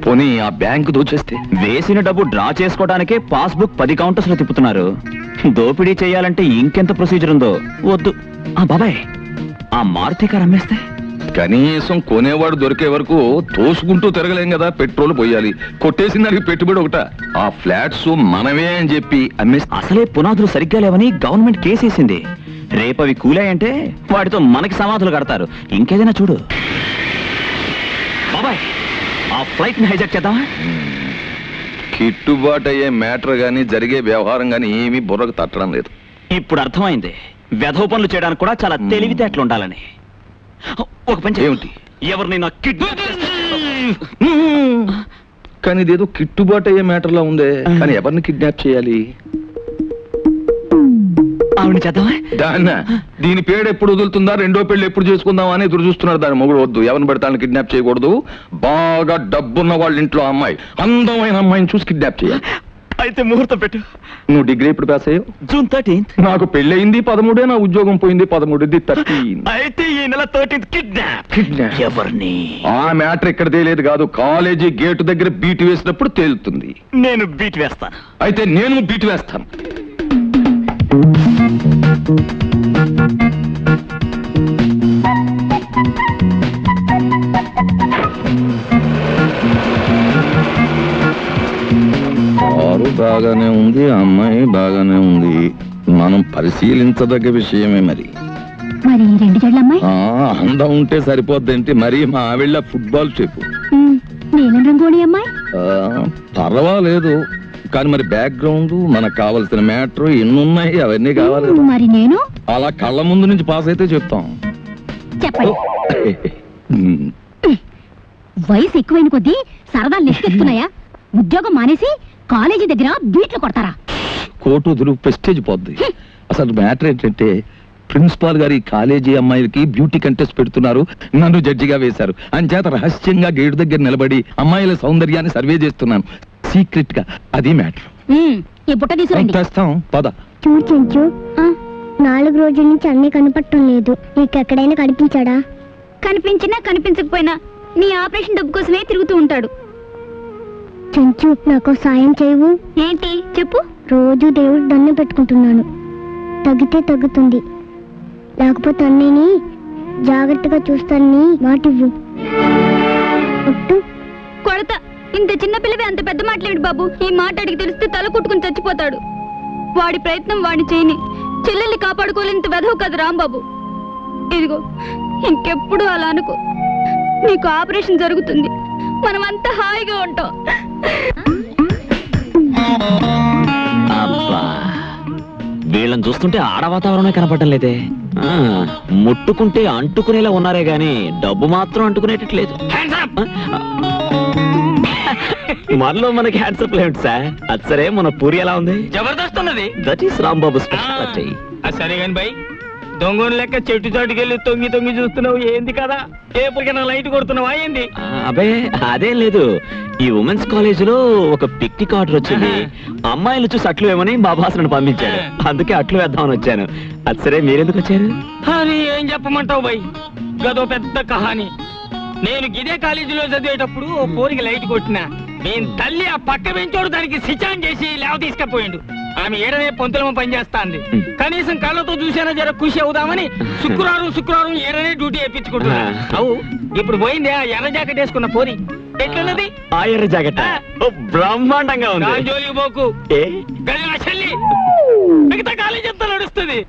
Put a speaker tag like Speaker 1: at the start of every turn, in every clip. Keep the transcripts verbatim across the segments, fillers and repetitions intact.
Speaker 1: పోనీ ఆ బ్యాంకు దోచేస్తే?
Speaker 2: వేసిన డబ్బు డ్రా చేసుకోవడానికే పాస్బుక్ పది కౌంటర్స్ లో తిప్పుతున్నారు. దోపిడీ చేయాలంటే ఇంకెంత ప్రొసీజర్ ఉందో. వద్దు. ఆ బాబాయ్, ఆ మారుతి కారు అమ్మేస్తే?
Speaker 1: కనీసం కొనేవాడు దొరికే వరకు తోసుకుంటూ తిరగలేం కదా. పెట్రోల్ పోయాలి, కొట్టేసిన దానికి పెట్టుబడి ఒకట. ఆ ఫ్లాట్స్ మనమే అని చెప్పి అమ్మేస్తే?
Speaker 2: అసలే పునాదులు సరిగ్గా లేవని గవర్నమెంట్ కేసేసింది. రేపు అవి కూలాయంటే వాటితో మనకి సమాధులు కడతారు. ఇంకేదైనా చూడు. బాబాయ్, ఆ ఫ్లైట్ ని హైజాక్ చేద్దామా?
Speaker 1: కిట్టుబాటు అయ్యే మ్యాటర్ గానీ జరిగే వ్యవహారం గానీ ఏమీ బుర్రకు తట్టడం లేదు.
Speaker 2: ఇప్పుడు అర్థమైంది వెధవ పనులు చేయడానికి కూడా చాలా తెలివితేటలు ఉండాలని. ఒక పని ఏమిటి? ఎవరిని నా కిడ్నాప్
Speaker 1: కానీ ఇదేదో కిట్టుబాటు అయ్యే మ్యాటర్లా ఉందే. కానీ ఎవరిని కిడ్నాప్ చేయాలి?
Speaker 2: ఆవిడ చేద్దామా?
Speaker 1: దాన్న దీని పేరు ఎప్పుడు వదులుతుందా, రెండో పెళ్లి ఎప్పుడు చేసుకుందామా అని ఎదురు చూస్తున్నాడు దాని మొగుడు. వద్దు, ఎవరిని పడతాను కిడ్నాప్ చేయకూడదు. బాగా డబ్బున్న వాళ్ళ ఇంట్లో అమ్మాయి, అందమైన అమ్మాయిని చూసి కిడ్నాప్ చేయాలి.
Speaker 2: అయితే ముహూర్తం పెట్టు.
Speaker 1: నువ్వు డిగ్రీ ఇప్పుడు పాస్ అయ్యావు?
Speaker 2: June thirteenth.
Speaker 1: నాకు పెళ్ళయింది పదమూడే, నా ఉద్యోగం పోయింది పదమూడుది థర్టీన్.
Speaker 2: అయితే ఈ నెల థర్టీన్త్ కిడ్నాప్.
Speaker 1: కిడ్నాప్ ఎవరిని? ఆ మ్యాటర్ ఇక్కడ తేలేదు కాదు, కాలేజీ గేటు దగ్గర బీట్ వేసినప్పుడు తేలుతుంది.
Speaker 2: నేను బీట్ వేస్తాను.
Speaker 1: అయితే నేను బీట్ వేస్తాను. కారు బాగానే ఉంది, అమ్మాయి బాగానే ఉంది. మనం పరిశీలించదగ్గ విషయమే. మరి
Speaker 3: మరి రెండు జడ్ల అమ్మాయి
Speaker 1: అందం ఉంటే సరిపోద్దేంటి? మరి మా ఆవిళ్ళ ఫుట్బాల్ చెప్పు.
Speaker 3: నీలం రంగోళి అమ్మాయి
Speaker 1: పర్వాలేదు, కానీ మరి బ్యాక్గ్రౌండ్, మనకు కావాల్సిన మ్యాటర్ ఎన్నున్నాయి, అవన్నీ కావాలి.
Speaker 3: మరి నేను
Speaker 1: అలా కళ్ళ ముందు నుంచి పాస్ అయితే చెప్తాం.
Speaker 3: చెప్పండి. వయసు ఎక్కువైన కొద్దీ సరదాలు లెక్కెత్తున్నాయా? ఉద్యోగం మానేసి కాలేజీ దగ్గర బీట్లు కొడతారా?
Speaker 1: కోటు వదులు, ప్రెస్టేజ్ పోద్ది. అసలు మ్యాటర్ ఏంటంటే ప్రిన్సిపాల్ గారు ఈ కాలేజీ అమ్మాయిలకి బ్యూటీ కంటెస్ట్ పెడుతున్నారు, నన్ను జడ్జిగా వేశారు. అంచేత రహస్యంగా గేటు దగ్గర నిలబడి అమ్మాయిల సౌందర్యాన్ని సర్వే చేస్తున్నాను సీక్రెట్ గా. అది మ్యాటర్.
Speaker 3: ఈ బుట్ట తీసుకురండి.
Speaker 1: తెస్తాం, పద.
Speaker 4: చూచు, నాలుగు రోజుల నుంచి అన్నీ కనపడటం లేదు. నీకెక్కడైనా కనిపించాడా?
Speaker 3: కనిపించినా కనిపించకపోయినా నీ ఆపరేషన్ డబ్బు కోసమే తిరుగుతూ ఉంటాడు.
Speaker 4: చెంచు, నాకు సాయం చేయవు?
Speaker 3: ఏంటి చెప్పు.
Speaker 4: రోజు దేవుడు దండం పెట్టుకుంటున్నాను, తగ్గితే తగ్గుతుంది, లేకపోతే అన్నీని జాగ్రత్తగా చూస్తానని మాటివ్వు.
Speaker 3: కొడత. ఇంత చిన్న పిల్లవి అంత పెద్ద మాట్లాడు బాబు. ఈ మాట అడిగి తెలిస్తే తల కుట్టుకుని చచ్చిపోతాడు. వాడి ప్రయత్నం వాడిని చేయని. చెల్లెల్ని కాపాడుకోలేంత వెధవు కదా రాంబాబు. ఇదిగో, ఇంకెప్పుడు అలా అనుకో. నీకు ఆపరేషన్ జరుగుతుంది, మనమంతా హాయిగా ఉంటాం.
Speaker 2: అబ్బా, వీళ్ళని చూస్తుంటే ఆడ వాతావరణమే కనపడటం లేదే. ముట్టుకుంటే అంటుకునేలా ఉన్నారే గాని డబ్బు మాత్రం అంటుకునేటట్లేదు. మనలో మనకి హ్యాండ్సప్ లేదు సార్. అది సరే, మన పూరి ఎలా ఉంది?
Speaker 5: జబర్దస్త్ ఉన్నది.
Speaker 2: That is Rambabu speciality.
Speaker 5: సరే గాని బై, దొంగని లెక్క చెట్టు చాటుకెళ్ళి తొంగి తొంగి చూస్తున్నావు ఏంది కదా? ఏపటికైనా లైట్ కొడుతున్నావా ఏంది?
Speaker 2: అబే అదేం లేదు. ఈ ఉమెన్స్ కాలేజ్ లో ఒక పిక్నిక్ ఆర్డర్ వచ్చింది. అమ్మాయిలు చూసి అట్లు వేమని మా బాసను పంపించాడు. అందుకే అట్లు వేద్దామని వచ్చాను. అది సరే, మీరెందుకు వచ్చారు?
Speaker 5: అని ఏం చెప్పమంటావు బై, గదో పెద్ద కహాని. నేను గిదే కాలేజీలో చదివేటప్పుడు ఓ పోరికి లైట్ కొట్టినా. నేను తల్లి ఆ పక్క పెంచోడు దానికి సిచాన్ చేసి లేవ తీసుకపోయిండు. ఆమె ఏడనే పొంతులమ పనిచేస్తాంది. కనీసం కళ్ళతో చూసేనా జర ఖుషి అవుదామని శుక్రవారం శుక్రవారం ఏడనే డ్యూటీ వేయించుకుంటున్నా. అవు ఇప్పుడు పోయింది ఆ ఎర్ర జాకెట్ వేసుకున్న పోరి. ఎట్లున్నది
Speaker 2: ఆ ఎర్ర జాకెట్? బ్రహ్మాండంగా ఉంది.
Speaker 5: జోలికి పోకు, చెల్లి మిగతా కాలేజీ అంతా నడుస్తుంది.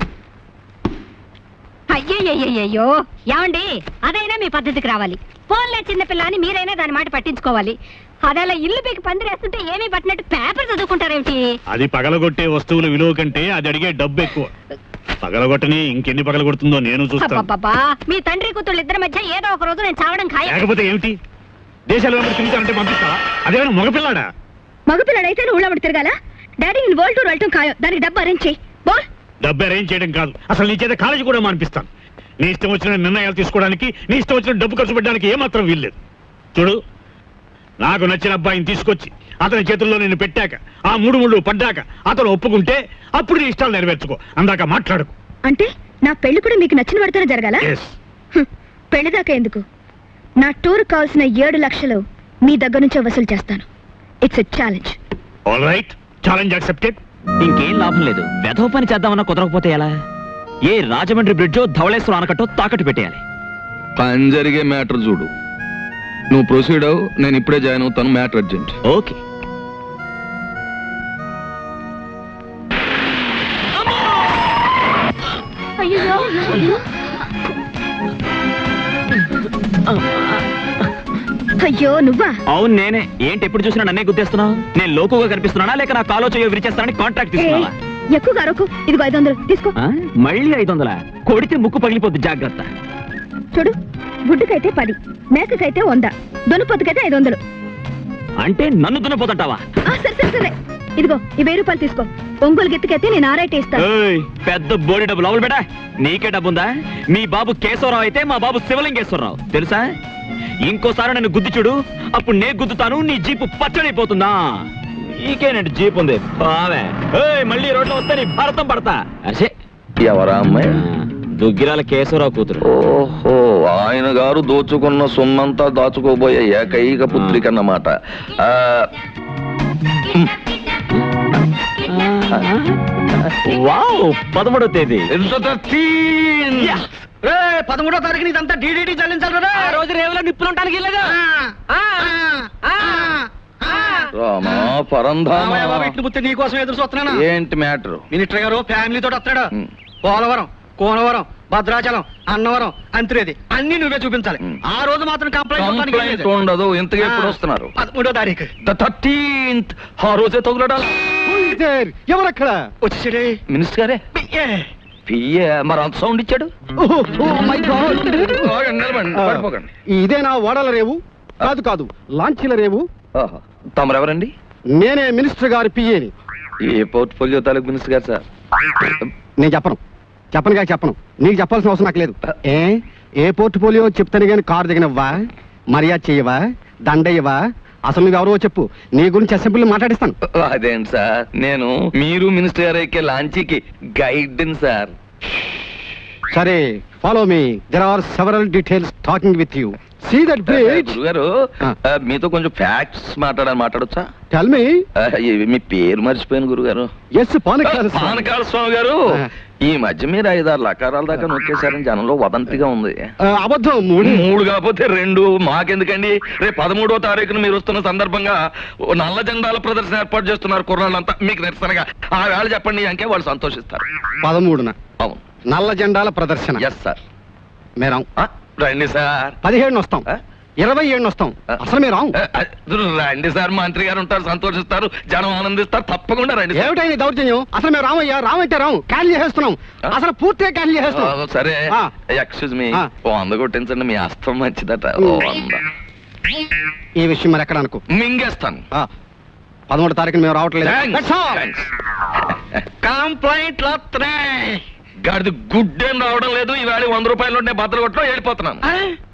Speaker 3: అయ్యయ్యో, ఏమండి, అదైనా మీ పద్ధతికి రావాలి. ఫోన్లే చిన్నపిల్ల అని మీరైనా దాని మాట పట్టించుకోవాలి. అదేలా ఇల్లు పీకి పందిరేస్తుంటే ఏమీ పట్టినట్టు పేపర్ చదువుకుంటారేమిటి?
Speaker 6: అది పగలగొట్టే వస్తువుల విలువ కంటే అది అడిగే డబ్బు ఎక్కువ. పగలగొట్టని ఇంకెన్ని పగలగొడుతుందో నేను చూస్తాను.
Speaker 3: మీ తండ్రి కూతుళ్ళు ఇద్దరి మధ్య ఏదో ఒక రోజు నేను చావడం ఖాయం.
Speaker 6: లేకపోతే ఏమిటి? దేశాలు తిరుగుతానంటే పంపిస్తావా? అదేమైనా మగపిల్లాడా?
Speaker 3: మగపిల్లడైతే ఊళ్ళబడి తిరగాల? డాడీ నేను వరల్డ్ టూర్ వెళ్ళటం ఖాయం. దానికి డబ్బు అరేంజ్ చేయి. బోల్.
Speaker 6: డబ్బు అరేంజ్ చేయడం కాదు, అసలు నీ చేత కాలేజీ కూడా మానిపిస్తాను. నీ ఇష్టం వచ్చిన నిర్ణయాలు తీసుకోవడానికి, నీ ఇష్టం వచ్చిన డబ్బు ఖర్చు పెట్టడానికి ఏమాత్రం వీల్లేదు. చూడు, నాకు నచ్చిన అబ్బాయిని తీసుకొచ్చి అతని చేతుల్లో నేను పెట్టాక, ఆ మూడు ముళ్ళు పడ్డాక అతను ఒప్పుకుంటే అప్పుడు నీ ఇష్టాలు నెరవేర్చుకో. అందాక మాట్లాడుకో.
Speaker 3: అంటే నా పెళ్లి కూడా మీకు నచ్చిన పడితేనే జరగాల? పెళ్లి దాకా ఎందుకు? నా టూర్ కావాల్సిన ఏడు లక్షలు మీ దగ్గర నుంచే వసూలు చేస్తాను. It's a challenge.
Speaker 6: All right, challenge accepted.
Speaker 2: ఇంకేం లాభం లేదు. వెధవ పని చేద్దామన్నా కుదరకపోతే ఎలా? ఏ రాజమండ్రి బ్రిడ్జో ధవళేశ్వరం ఆనకట్టో తాకట్టు పెట్టేయాలి.
Speaker 1: పని జరిగే మ్యాటర్ చూడు. నువ్వు ప్రొసీడ్ అవు, నేను ఇప్పుడే జాయిన్ అవుతాను. Matter urgent.
Speaker 2: ఓకే.
Speaker 3: అయ్యో నువ్వా?
Speaker 2: అవును నేనే. ఏంటి ఎప్పుడు చూసినా నన్నే గుర్తిస్తున్నావు? నేను లోకుగా కనిపిస్తున్నానా లేక నా కాలో చేయో విరిచేస్తానని కాంట్రాక్ట్ తీసుకున్నావా?
Speaker 3: ఎక్కువగా అరకు. ఇదిగో ఐదు వందలు తీసుకో.
Speaker 2: ఆ? మళ్ళీ ఐదు వందల కొడితే ముక్కు పగిలిపోద్ది, జాగ్రత్త.
Speaker 3: చూడు, గుడ్డుకైతే పది, మేకకైతే వంద, దొనపొత్తుకైతే ఐదు వందలు.
Speaker 2: అంటే నన్ను దున్నపోతుంటావా?
Speaker 3: ఆ, సరే సరే సరే. ఇదిగో ఈ వెయ్యి రూపాయలు తీసుకో. ఒంగోలు గెత్తుకైతే నేను ఆరైతే ఇస్తాను.
Speaker 2: ఏయ్, పెద్ద బోడి డబ్బు లోపల బేటా. నీకే డబ్బుందా? మీ బాబు కేశవరావు అయితే మా బాబు శివలింగేశ్వరరావు తెలుసా? ఇంకోసారి నన్ను గుద్ది చూడు, అప్పుడు నే గుద్దుతాను. నీ జీపు పచ్చడైపోతుందా? నీకేనండి జీప్ ఉంది బావే. ఏయ్, మళ్ళీ రోడ్లో వస్తే నీ భారతం పడతా. అసే
Speaker 1: ఎవరా అమ్మాయి?
Speaker 2: దుగ్గిరాల కేశవరావు కూతురు.
Speaker 1: ఓహో, ఆయన గారు దోచుకున్న సొమ్మంతా దాచుకోబోయే ఏకైక పుత్రిక అన్నమాట. ఆ,
Speaker 2: వావ్, పదమూడో తేదీ.
Speaker 5: పదమూడో తారీఖున ఇదంతా డీడీటీ చెల్లించాలి. ఆ రోజు రేవులో నిప్పులుంటానికి వెళ్ళగా
Speaker 1: రామా పరంధామా,
Speaker 5: నీకోసం ఎదురు చూస్తున్నాను.
Speaker 1: ఏంటి మ్యాటర్?
Speaker 5: మినిస్టర్ గారు ఫ్యామిలీ తోటి వస్తాడు. పోలవరం, కోనవరం, భద్రాచలం, అన్నవరం, అంతురేది అన్ని నువ్వే చూపించాలి. ఆ రోజు మాత్రం
Speaker 1: కంప్లైంట్
Speaker 5: కంప్లైంట్
Speaker 1: ఉండదు. ఇంతగా ఎప్పుడు వస్తున్నారు?
Speaker 5: పదమూడో తారీఖు
Speaker 1: థర్టీన్త్. ఆ రోజే తగులడాలి.
Speaker 5: ఎవరక్కడ వచ్చేసాడే?
Speaker 1: మినిస్టర్ గారే. పియ్యే మరి అంత సౌండ్ ఇచ్చాడు. ఆగండి, నిలబడండి, పడిపోకండి.
Speaker 7: ఇదేనా ఓడల రేవు? కాదు కాదు, లాంచీల రేవు.
Speaker 1: ఆహా, తమరెవరండి?
Speaker 7: నేనే మినిస్టర్ గారి పిఏని.
Speaker 1: ఏ పోర్ట్ఫోలియో తాలూకు మినిస్టర్ గారు సార్?
Speaker 7: నేను చెప్పను చెప్పను కాక చెప్పను. నీకు చెప్పాల్సిన అవసరం నాకు లేదు. ఏ ఏ పోర్ట్ఫోలియో చెప్తాను కానీ కారు దిగనివ్వా, మర్యాద చెయ్యవా, దండయ్యవా? అసలు నువ్వు ఎవరో చెప్పు, నీ గురించి అసెంబ్లీ మాట్లాడిస్తాను.
Speaker 1: అదేంటి సార్, నేను మీరు మినిస్టర్ గారు ఎక్కే లాంచీకి గైడ్ సార్.
Speaker 7: సరే, follow me. There are several details talking with you. See that bridge.
Speaker 1: గురుగారు, ఆ, మీతో కొంచెం ఫ్యాక్ట్స్ మాట్లాడాలి, మాట్లాడొచ్చా?
Speaker 7: Tell me.
Speaker 1: ఆ, ఈ- మీ పేరు మర్చిపోయాను గురుగారు.
Speaker 7: ఎస్, పానకాల స్వామి.
Speaker 1: పానకాల స్వామి గారు.
Speaker 7: ఆ.
Speaker 1: ఈ మధ్య మీరు ఐదారు లకారాల దాకా నొక్కేశారని జనంలో వదంతిగా ఉంది.
Speaker 7: ఆ, అబద్ధం. మూడు
Speaker 1: మూడు కాకపోతే రెండు, మాకెందుకండి? రేపు పదమూడో తారీఖున మీరు వస్తున్న సందర్భంగా ఓ నల్ల జెండాల ప్రదర్శన ఏర్పాటు చేస్తున్నారు కుర్రాళ్ళంతా. మీకు నిరసనగా ఆ వేళ చెప్పండి అంకే వాళ్ళు సంతోషిస్తారు.
Speaker 7: పదమూడున
Speaker 1: అవును,
Speaker 7: నల్ల జెండాల ప్రదర్శన.
Speaker 1: Yes sir.
Speaker 7: మేరాం.
Speaker 1: ఆ, రండి సార్.
Speaker 7: పదిహేడున వస్తాం,
Speaker 1: ఆ?
Speaker 7: ఇరవై ఏడున వస్తాం.
Speaker 1: ఆ.
Speaker 7: అసలు మీరు
Speaker 1: ఆ, ఆ, రండి సార్. మంత్రి గారు ఉంటారు, సంతోషిస్తారు, జనం ఆనందిస్తారు. తప్పకుండా రండి సార్.
Speaker 7: ఏమిటైంది దౌర్జన్యం? అసలు మేము రామయ్యా, రామంటే రాము, క్యాన్సిల్ చేసేస్తున్నాం.
Speaker 1: ఆ?
Speaker 7: అసలు పూర్తిగా క్యాన్సిల్
Speaker 1: ఆ,
Speaker 7: చేసేస్తున్నాం.
Speaker 1: సరే,
Speaker 7: ఆ.
Speaker 1: Excuse me.
Speaker 7: ఆ.
Speaker 1: ఓ వంద కొట్టించండి, మీ అస్తం మంచిదట. ఓ వంద
Speaker 7: ఈ విషయం మరి ఎక్కడ అనుకో.
Speaker 1: మింగేస్తాను.
Speaker 7: ఆ, పదమూడు తారీఖున మేము రావట్లేదు.
Speaker 1: Thanks.
Speaker 7: That's all.
Speaker 1: Thanks.
Speaker 5: Complaint వస్తున్నాయి.
Speaker 1: గాడిది గుడ్డేం రావడం లేదు. ఈవేళ వంద రూపాయలు ఉంటే బద్దలు కొట్టడం వెళ్ళిపోతున్నాను.